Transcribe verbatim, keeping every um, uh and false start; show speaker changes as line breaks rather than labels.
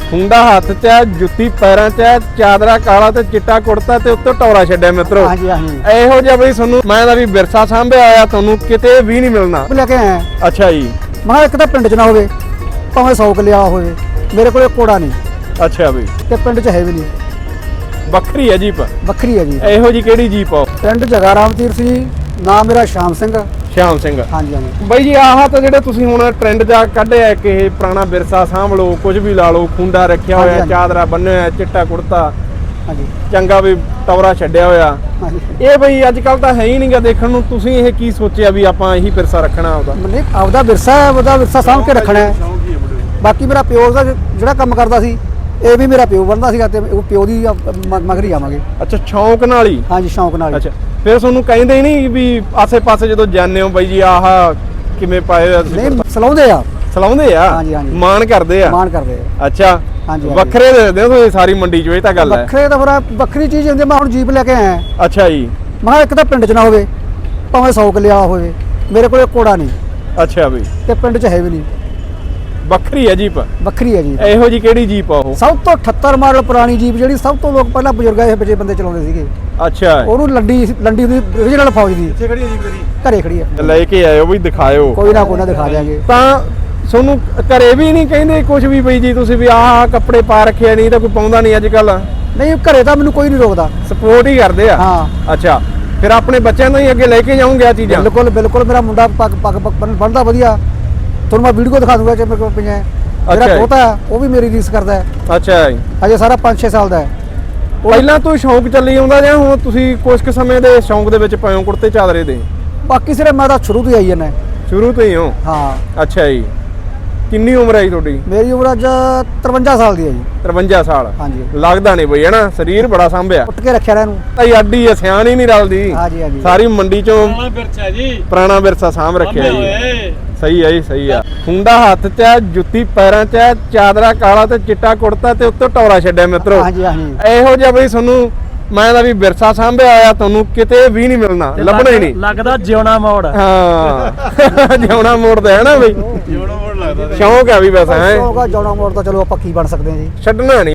ਖੁੰਡਾ ਹੱਥ 'ਚ ਹੈ, ਜੁੱਤੀ ਪੈਰਾਂ 'ਚ ਹੈ, ਚਾਦਰਾ ਕਾਲਾ ਤੇ ਚਿੱਟਾ ਕੁੜਤਾ ਤੇ ਉੱਤੇ ਟੌਰਾ ਛੱਡਿਆ ਮਿੱਤਰੋ।
ਹਾਂਜੀ ਹਾਂਜੀ
ਇਹੋ ਜਿਹਾ ਬਈ ਤੁਹਾਨੂੰ ਮੈਂ ਦਾ ਵੀ ਵਿਰਸਾ ਸਾਂਭਿਆ ਆਇਆ, ਤੁਹਾਨੂੰ ਕਿਤੇ ਵੀ ਨਹੀਂ ਮਿਲਣਾ।
ਲੈ ਕੇ ਆਇਆ
ਅੱਛਾ ਜੀ।
ਮੈਂ ਕਿਹਾ ਇੱਕ ਤਾਂ ਪਿੰਡ 'ਚ ਨਾ ਹੋਵੇ, ਭਾਵੇਂ ਸੌ ਕਿੱਲਿਆ ਹੋਵੇ, ਮੇਰੇ ਕੋਲੇ ਕੋੜਾ ਨਹੀਂ
ਅੱਛਾ ਬਈ,
ਤੇ ਪਿੰਡ 'ਚ ਹੈ ਵੀ ਨਹੀਂ।
ਵੱਖਰੀ ਹੈ ਜੀਪ,
ਵੱਖਰੀ ਹੈ ਜੀ।
ਇਹੋ ਜੀ ਕਿਹੜੀ ਜੀਪ ਆ?
ਪਿੰਡ ਜਗਾ ਰਾਮ ਤੀਰ ਸੀ, ਨਾਮ ਮੇਰਾ ਸ਼ਾਮ ਸਿੰਘ।
ਸ਼ਾਮ ਸਿੰਘ।
ਹਾਂਜੀ ਹਾਂਜੀ
ਬਾਈ ਜੀ ਆਹ ਤਾਂ ਜਿਹੜੇ ਤੁਸੀਂ ਹੁਣ ਟ੍ਰੈਂਡ ਜਾ ਕੱਢਿਆ ਕਿ ਇਹ ਪੁਰਾਣਾ ਵਿਰਸਾ ਸਾਂਭ ਲਓ, ਕੁਝ ਵੀ ਲਾ ਲਓ, ਖੁੰਡਾ ਰੱਖਿਆ ਹੋਇਆ,
ਹਾਂਜੀ,
ਚਾਦਰਾ ਬੰਨਿਆ ਹੋਇਆ, ਚਿੱਟਾ ਕੁੜਤਾ,
ਹਾਂਜੀ
ਚੰਗਾ ਵੀ ਟੌਰਾ ਛੱਡਿਆ ਹੋਇਆ,
ਹਾਂਜੀ
ਇਹ ਬਈ ਅੱਜ ਕੱਲ ਤਾਂ ਹੈ ਹੀ ਨਹੀਂਗਾ ਦੇਖਣ ਨੂੰ। ਤੁਸੀਂ ਇਹ ਕੀ ਸੋਚਿਆ ਵੀ ਆਪਾਂ ਇਹੀ ਵਿਰਸਾ ਰੱਖਣਾ ਆਪਦਾ?
ਮਨੇ ਆਪਦਾ ਵਿਰਸਾ ਹੈ, ਉਹਦਾ ਵਿਰਸਾ ਸਾਂਭ ਕੇ ਰੱਖਣਾ ਹੈ। ਬਾਕੀ ਮੇਰਾ ਪਿਓ ਦਾ ਜਿਹੜਾ ਕੰਮ ਕਰਦਾ ਸੀ, ਇਹ ਵੀ ਮੇਰਾ ਪਿਓ ਬਣਦਾ ਸੀਗਾ ਤੇ ਉਹ ਪਿਓ ਦੀ ਮ- ਮਗਰ ਹੀ ਆਵਾਂਗੇ।
ਅੱਛਾ, ਸ਼ੌਂਕ ਨਾਲ ਹੀ।
ਹਾਂਜੀ ਸ਼ੌਂਕ ਨਾਲ ਹੀ।
ਅੱਛਾ, ਫਿਰ ਤੁਹਾਨੂੰ ਕਹਿੰਦੇ ਹੀ ਨਹੀਂ ਵੀ ਆਸੇ ਪਾਸੇ ਜਦੋਂ ਜਾਂਦੇ ਹੋ ਬਾਈ ਜੀ ਆਹ ਕਿਵੇਂ ਪਾਏ ਹੋਏ ਤੁਸੀਂ?
ਨਹੀਂ ਸਲਾਉਂਦੇ ਆ,
ਸਲਾਉਂਦੇ ਆ,
ਹਾਂਜੀ, ਹਾਂਜੀ।
ਮਾਣ ਕਰਦੇ ਆ।
ਮਾਣ ਕਰਦੇ ਆ।
ਅੱਛਾ,
ਹਾਂਜੀ,
ਵੱਖਰੇ ਦੇ ਹੋ ਤੁਸੀਂ ਸਾਰੀ ਮੰਡੀ 'ਚ, ਇਹ ਤਾਂ ਗੱਲ ਹੈ।
ਵੱਖਰੇ ਤਾਂ ਫਿਰ ਵੱਖਰੀ ਚੀਜ਼ ਹੁੰਦੀ। ਮੈਂ ਹੁਣ ਜੀਪ ਲੈ ਕੇ ਆਇਆ,
ਅੱਛਾ ਜੀ।
ਮੈਂ ਕਿਹਾ ਇੱਕ ਤਾਂ ਪਿੰਡ 'ਚ ਨਾ ਹੋਵੇ, ਭਾਵੇਂ ਸੌ ਕਿੱਲਿਆ ਹੋਵੇ, ਮੇਰੇ ਕੋਲੇ ਕੋੜਾ ਨਹੀਂ
ਅੱਛਾ ਬਈ,
ਤੇ ਪਿੰਡ 'ਚ ਹੈ ਵੀ ਨਹੀਂ।
ਵੱਖਰੀ ਹੈ ਜੀਪ,
ਵੱਖਰੀ ਹੈ ਜੀ।
ਇਹੋ ਜੀ ਕਿਹੜੀ ਜੀਪ ਆ ਉਹ?
ਸਭ ਤੋਂ ਅਠੱਤਰ ਮਾਡਲ ਪੁਰਾਣੀ ਜੀਪ, ਜਿਹੜੀ ਸਭ ਤੋਂ ਲੋਕ ਪਹਿਲਾਂ ਬਜ਼ੁਰਗਾਂ ਇਹ ਬੱਚੇ ਬੰਦੇ ਚਲਾਉਂਦੇ ਸੀਗੇ।
ਅੱਛਾ,
ਉਹਨੂੰ ਲੰਡੀ ਲੰਡੀ ਦੀ ਓਰੀਜਨਲ ਫੌਜ ਦੀ
ਕਿੱਥੇ ਖੜੀ ਹੈ ਜੀਪ ਤੇਰੀ?
ਘਰੇ ਖੜੀ ਹੈ।
ਲੈ ਕੇ ਆਇਓ ਵੀ ਦਿਖਾਇਓ।
ਕੋਈ ਨਾ ਕੋਈ ਨਾ ਦਿਖਾ ਦਿਆਂਗੇ।
ਤਾਂ ਤੁਹਾਨੂੰ ਘਰੇ ਵੀ ਨਹੀਂ ਕਹਿੰਦੇ ਕੁਝ ਵੀ ਬਈ ਜੀ ਤੁਸੀਂ ਵੀ ਆਹ ਕੱਪੜੇ ਪਾ ਰੱਖਿਆ, ਨਹੀਂ ਤਾਂ ਕੋਈ ਪਾਉਂਦਾ ਨਹੀਂ ਅੱਜ ਕੱਲ?
ਨਹੀਂ ਘਰੇ ਤਾਂ ਮੈਨੂੰ ਕੋਈ ਨਹੀਂ ਰੋਕਦਾ।
ਸਪੋਰਟ ਹੀ ਕਰਦੇ ਆ।
ਹਾਂ
ਅੱਛਾ, ਫਿਰ ਆਪਣੇ ਬੱਚਿਆਂ ਨੂੰ ਹੀ ਅੱਗੇ ਲੈ ਕੇ ਜਾਉਂਗੇ ਆ ਚੀਜ਼ਾਂ?
ਬਿਲਕੁਲ ਬਿਲਕੁਲ। ਮੇਰਾ ਮੁੰਡਾ ਪੱਗ ਪੱਗ ਬਣਦਾ ਵਧੀਆ, ਤੁਹਾਨੂੰ ਮੈਂ ਵੀਡੀਓ ਦਿਖਾ ਦੂੰਗਾ ਜੇ ਮੇਰੇ ਕੋਲ ਪਈਆਂ। ਮੇਰਾ
ਅੱਛਾ ਜੀ।
ਪੋਤਾ ਉਹ ਵੀ ਮੇਰੀ ਰੀਸ ਕਰਦਾ ਹੈ,
ਅੱਛਾ ਜੀ।
ਅਜੇ ਸਾਰਾ ਪੰਜ ਛੇ ਸਾਲ ਦਾ ਹੈ।
ਪਹਿਲਾਂ ਤੋਂ ਸ਼ੌਂਕ ਚੱਲੀ ਆਉਂਦਾ ਜਾਂ ਹੁਣ ਤੁਸੀਂ ਕੁਝ ਕੁ ਸਮੇਂ ਦੇ ਸ਼ੌਂਕ ਦੇ ਵਿੱਚ ਪਏ ਹੋ ਕੁੜਤੇ ਚਾਦਰੇ ਦੇ?
ਬਾਕੀ ਸਿਰੇ ਮੈਂ ਤਾਂ ਸ਼ੁਰੂ ਤੋਂ ਹੀ ਆਈ ਜਾਂਦਾ।
ਸ਼ੁਰੂ ਤੋਂ ਹੀ ਹੋ?
ਹਾਂ।
ਅੱਛਾ ਜੀ। ਕਿੰਨੀ ਉਮਰ ਹੈ ਜੀ ਤੁਹਾਡੀ?
ਮੇਰੀ ਉਮਰ ਅੱਜ ਤਰਵੰਜਾ ਸਾਲ ਦੀ ਹੈ ਜੀ।
ਤਰਵੰਜਾ ਸਾਲ?
ਹਾਂਜੀ।
ਲੱਗਦਾ ਨਹੀਂ ਬਈ, ਹਨਾ ਸਰੀਰ ਬੜਾ ਸੰਭਿਆ।
ਉੱਟ ਕੇ ਰੱਖਿਆ ਇਹਨੂੰ।
ਤਾਈ ਅੱਡੀ ਆ, ਸਿਆਣ ਹੀ ਨਹੀਂ ਰਲਦੀ।
ਹਾਂਜੀ ਹਾਂਜੀ।
ਸਾਰੀ ਮੰਡੀ ਚੋਂ
ਪੁਰਾਣਾ ਵਿਰਸਾ ਜੀ,
ਪੁਰਾਣਾ ਵਿਰਸਾ ਸਾਂਭ ਰੱਖਿਆ ਜੀ।
ਓਏ
ਸਹੀ ਹੈ ਜੀ, ਸਹੀ ਆ। ਖੁੰਡਾ ਹੱਥ 'ਚ ਹੈ, ਜੁੱਤੀ ਪੈਰਾਂ 'ਚ ਹੈ, ਚਾਦਰਾ ਕਾਲਾ ਤੇ ਚਿੱਟਾ ਕੁੜਤਾ ਤੇ ਉੱਤੇ ਟੌਰਾ ਛੱਡਿਆ ਮਿੱਤਰੋ।
ਹਾਂਜੀ ਹਾਂਜੀ।
ਇਹੋ ਜਿਹਾ ਬਈ ਤੁਹਾਨੂੰ ਮੈਂ ਦਾ ਵੀ ਵਿਰਸਾ ਸਾਂਭਿਆ ਆਇਆ, ਤੁਹਾਨੂੰ ਕਿਤੇ ਵੀ ਨਹੀਂ ਮਿਲਣਾ, ਲੱਭਣਾ ਹੀ ਨਹੀਂ।
ਲੱਗਦਾ ਜਿਉਣਾ ਮੋੜ।
ਹਾਂ ਜਿਉਣਾ ਮੋੜਦਾ ਹੈ ਨਾ ਬਈ,
ਜਿਉਣਾ ਮੋੜ ਲੱਗਦਾ।
ਸ਼ੌਂਕ ਆ ਵੀ ਵੈਸਾ ਹੈ,
ਸ਼ੌਂਕ ਆ ਜਾਣਾ ਮੋੜ ਤਾਂ। ਚਲੋ ਆਪਾਂ ਕੀ ਬਣ ਸਕਦੇ ਹਾਂ ਜੀ,
ਛੱਡਣਾ ਨਹੀਂ।